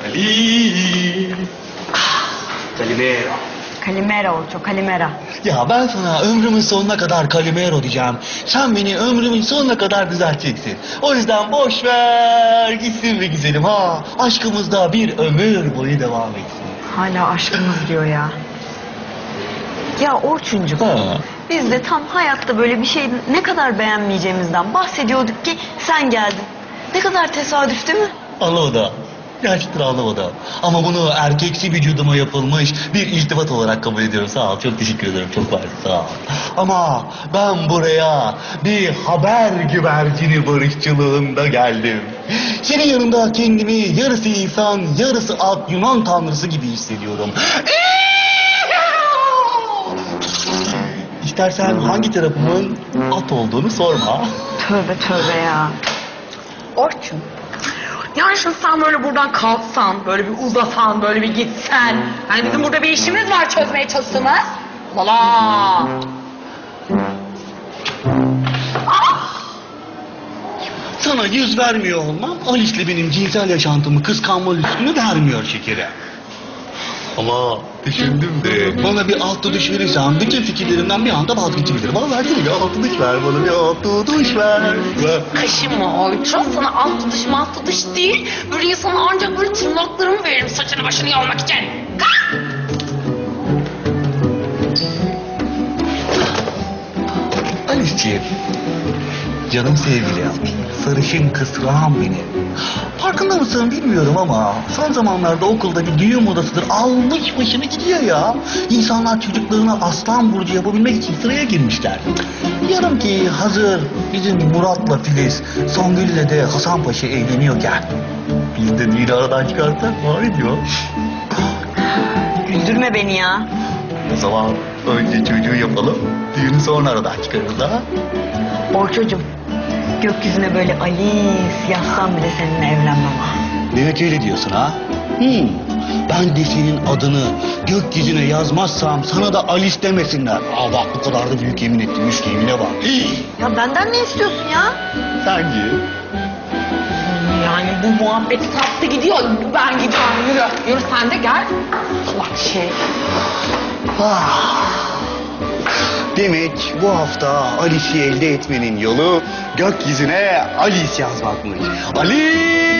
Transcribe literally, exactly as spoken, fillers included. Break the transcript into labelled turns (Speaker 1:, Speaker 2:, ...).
Speaker 1: Ali. Kalimero.
Speaker 2: Kalimera Orço, Kalimera.
Speaker 1: Ya ben sana ömrümün sonuna kadar Kalimero diyeceğim. Sen beni ömrümün sonuna kadar düzelteceksin. O yüzden boş ver gitsin be güzelim ha. Aşkımız da bir ömür boyu devam etsin.
Speaker 2: Hala aşkımız diyor ya. Ya Orçuncuk,
Speaker 1: Ha.
Speaker 2: biz de tam hayatta böyle bir şey ne kadar beğenmeyeceğimizden bahsediyorduk ki sen geldin. Ne kadar tesadüf değil mi?
Speaker 1: Allah o da. Gerçekten Allah o da. Ama bunu erkeksi vücuduma yapılmış bir iltifat olarak kabul ediyorum. Sağ ol. Çok teşekkür ederim. Çok var. Sağ ol. Ama ben buraya bir haber güvercini barışçılığında geldim. Senin yanında kendimi yarısı insan, yarısı at Yunan tanrısı gibi hissediyorum. İstersen hangi tarafımın at olduğunu sorma.
Speaker 2: Tövbe tövbe ya.
Speaker 3: Orçun. Yani şimdi sen böyle buradan kalksan, böyle bir uzasan, böyle bir gitsen. Hani bizim burada bir işimiz var çözmeye çalıştığımız. Valla.
Speaker 1: Sana yüz vermiyor olmam Alice'le benim cinsel yaşantımı kıskanma lüksünü vermiyor şekere. Ama düşündüm de bana bir alt duş verirsen bütün fikirlerimden bir anda vazgeçebilirim. Bana versene bir alt duş ver bana bir alt duş ver.
Speaker 3: Kaşınma Orçun. Sana alt tutuş malt tutuş değil. Böyle sana ancak böyle tırnaklarımı veririm saçını başını yolmak için. Kalk!
Speaker 1: Alice'ciğim, canım sevgilim, sarışın kısrağım benim. Farkında mısın bilmiyorum ama son zamanlarda okulda bir düğün modasıdır almış başını gidiyor ya. İnsanlar çocuklarına aslan burcu yapabilmek için sıraya girmişler. Diyorum ki hazır bizim Murat'la Filiz, Songül'le de Hasan Paşa evleniyorken biz de düğünü aradan çıkarsak ne diyor?
Speaker 2: Güldürme beni ya.
Speaker 1: O zaman önce çocuğu yapalım, düğünü sonra aradan çıkarırız ha.
Speaker 2: Orçocum, gökyüzüne böyle Alice yazsam bile seninle evlenmem ha.
Speaker 1: Demek öyle diyorsun ha? Hmm. Ben de senin adını gökyüzüne yazmazsam sana da Alice demesinler. Aa bak bu kadar da büyük yemin ettim. Üç yemine bak.
Speaker 2: Ya benden ne istiyorsun ya?
Speaker 1: Sence?
Speaker 3: Yani bu muhabbet saptı gidiyor. Ben gidiyorum yürü. Yürü sen de gel. Allah şey.
Speaker 1: Ah. Demek bu hafta Alice'i elde etmenin yolu gökyüzüne Alice yazmakmış. Alice!